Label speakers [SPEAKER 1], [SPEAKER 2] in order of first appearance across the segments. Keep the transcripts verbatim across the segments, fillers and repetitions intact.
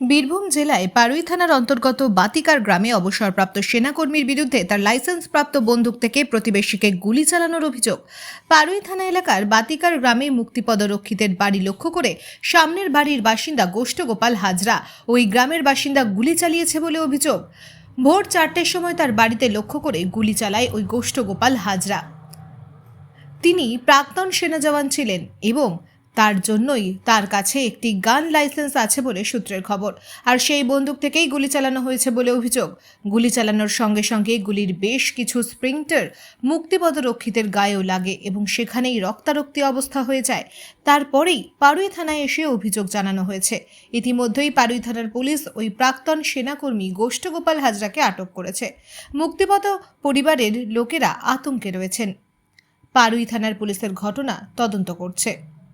[SPEAKER 1] বীরভূম জেলায় পারুই থানার অন্তর্গত বাতিকার গ্রামে অবসরপ্রাপ্ত সেনাকর্মীর বিরুদ্ধে তার লাইসেন্সপ্রাপ্ত বন্দুক থেকে প্রতিবেশীকে গুলি চালানোর অভিযোগ। পারুই থানা এলাকার বাতিকার গ্রামে মুক্তিপদরক্ষীদের বাড়ি লক্ষ্য করে সামনের বাড়ির বাসিন্দা গোষ্ঠগোপাল হাজরা ওই গ্রামের বাসিন্দা গুলি চালিয়েছে বলে অভিযোগ। ভোর চারটের সময় তার বাড়িতে লক্ষ্য করে গুলি চালায় ওই গোষ্ঠগোপাল হাজরা। তিনি প্রাক্তন সেনা জওয়ান ছিলেন এবং তার জন্যই তার কাছে একটি গান লাইসেন্স আছে বলে সূত্রের খবর। আর সেই বন্দুক থেকেই গুলি চালানো হয়েছে বলে অভিযোগ। গুলি চালানোর সঙ্গে সঙ্গে গুলির বেশ কিছু স্প্রিংটার মুক্তিপদরক্ষীদের গায়েও লাগে এবং সেখানেই রক্তারক্তি অবস্থা হয়ে যায়। তারপরেই পারুই থানায় এসে অভিযোগ জানানো হয়েছে। ইতিমধ্যেই পারুই থানার পুলিশ ওই প্রাক্তন সেনাকর্মী গোষ্ঠগোপাল হাজরাকে আটক করেছে। মুক্তিপদ পরিবারের লোকেরা আতঙ্কে রয়েছেন। পারুই থানার পুলিশের ঘটনা তদন্ত করছে।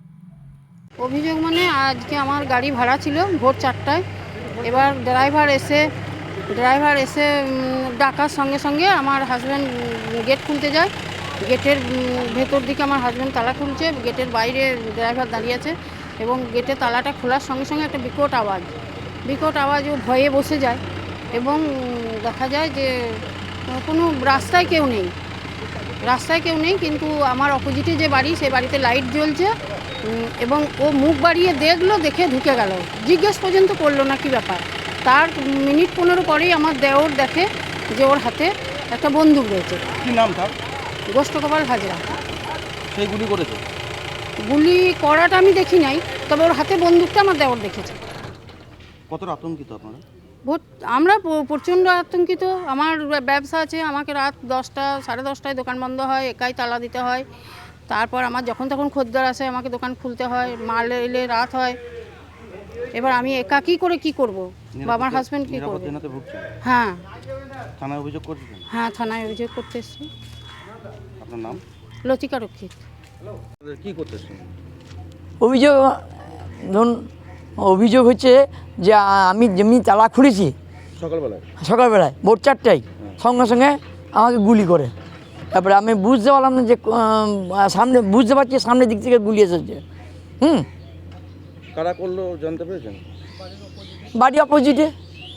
[SPEAKER 2] অভিযোগ মানে আজকে আমার গাড়ি ভাড়া ছিল ভোর চারটায়। এবার ড্রাইভার এসে ড্রাইভার এসে ডাকার সঙ্গে সঙ্গে আমার হাজব্যান্ড গেট খুলতে যায়। গেটের ভেতর দিকে আমার হাজব্যান্ড তালা খুলছে, গেটের বাইরে ড্রাইভার দাঁড়িয়ে আছে এবং গেটের তালাটা খোলার সঙ্গে সঙ্গে একটা বিকট আওয়াজ বিকট আওয়াজ ও ভয়ে বসে যায় এবং দেখা যায় যে কোনো রাস্তায় কেউ নেই রাস্তায় কেউ নেই কিন্তু আমার অপোজিটে যে বাড়ি সেই বাড়িতে লাইট জ্বলছে এবং ও মুখ বাড়িয়ে দেখলো, দেখে ঢুকে গেল। জিজ্ঞেস পর্যন্ত করলো না কি ব্যাপার। তার মিনিট পনেরো পরেই আমার দেওর দেখে যে ওর হাতে একটা বন্দুক রয়েছে।
[SPEAKER 3] কি নাম তার?
[SPEAKER 2] গোষ্ঠগোপাল হাজরা।
[SPEAKER 3] সেই গুলি করেছে?
[SPEAKER 2] গুলি করাটা আমি দেখি নাই, তবে ওর হাতে বন্দুকটা আমার দেওর দেখেছে।
[SPEAKER 3] কতটা আতঙ্কিত আপনারা?
[SPEAKER 2] ভোট আমরা প্রচণ্ড আতঙ্কিত। আমার ব্যবসা আছে, আমাকে রাত দশটা সাড়ে দশটায় দোকান বন্ধ হয়, একাই তালা দিতে হয়। তারপর আমার যখন তখন খদ্দের আসে, আমাকে দোকান খুলতে হয়, মাল এলে রাত হয়। এবার আমি একা কী করে কি করব, বা আমার হাজব্যান্ড কী করবে? হ্যাঁ
[SPEAKER 3] থানায় অভিযোগ করছেন?
[SPEAKER 2] হ্যাঁ থানায় অভিযোগ করতে এসেছি।
[SPEAKER 3] আপনার নাম?
[SPEAKER 2] লতিকা রক্ষিত।
[SPEAKER 3] কি করতেছেন?
[SPEAKER 4] অভিযোগ ধরুন অভিযোগ হচ্ছে যে আমি যেমনি তালা খুলেছি
[SPEAKER 3] সকালবেলায়
[SPEAKER 4] সকালবেলায় ভোর চারটায় সঙ্গে সঙ্গে আমাকে গুলি করে। তারপরে আমি বুঝতে পারলাম না যে সামনে বুঝতে পারছি সামনের দিক থেকে গুলি এসেছে। হুম
[SPEAKER 3] কারা করলো জানতে পেরেছেন?
[SPEAKER 4] বাড়ি অপোজিটে।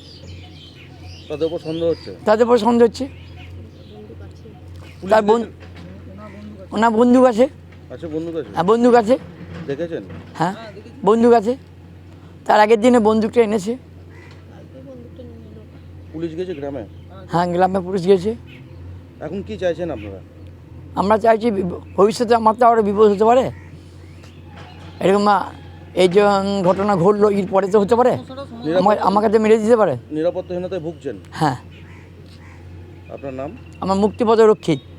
[SPEAKER 3] তাদের উপর সন্দেহ হচ্ছে?
[SPEAKER 4] তাদের উপর সন্দেহ হচ্ছে। তার বন্ধু ওনার বন্দুক আছে।
[SPEAKER 3] আচ্ছা, বন্দুক আছে?
[SPEAKER 4] হ্যাঁ বন্দুক আছে।
[SPEAKER 3] দেখেছেন?
[SPEAKER 4] হ্যাঁ বন্দুক আছে। তার আগের দিনে বন্দুকটা এনেছে।
[SPEAKER 3] পুলিশ গেছে গ্রামে?
[SPEAKER 4] হ্যাঁ গ্রামে পুলিশ গেছে।
[SPEAKER 3] এখন কি চাইছেন আপনারা?
[SPEAKER 4] আমরা চাইছি ভবিষ্যতে আমার তো আরও বিপদ হতে পারে। এরকম এই যে ঘটনা ঘটলো এর পরে তো হতে পারে, আমাকে তো মেরে দিতে পারে।
[SPEAKER 3] নিরাপত্তাহীনতায় ভুগছেন?
[SPEAKER 4] হ্যাঁ।
[SPEAKER 3] আপনার নাম?
[SPEAKER 4] আমার মুক্তিপদরক্ষী।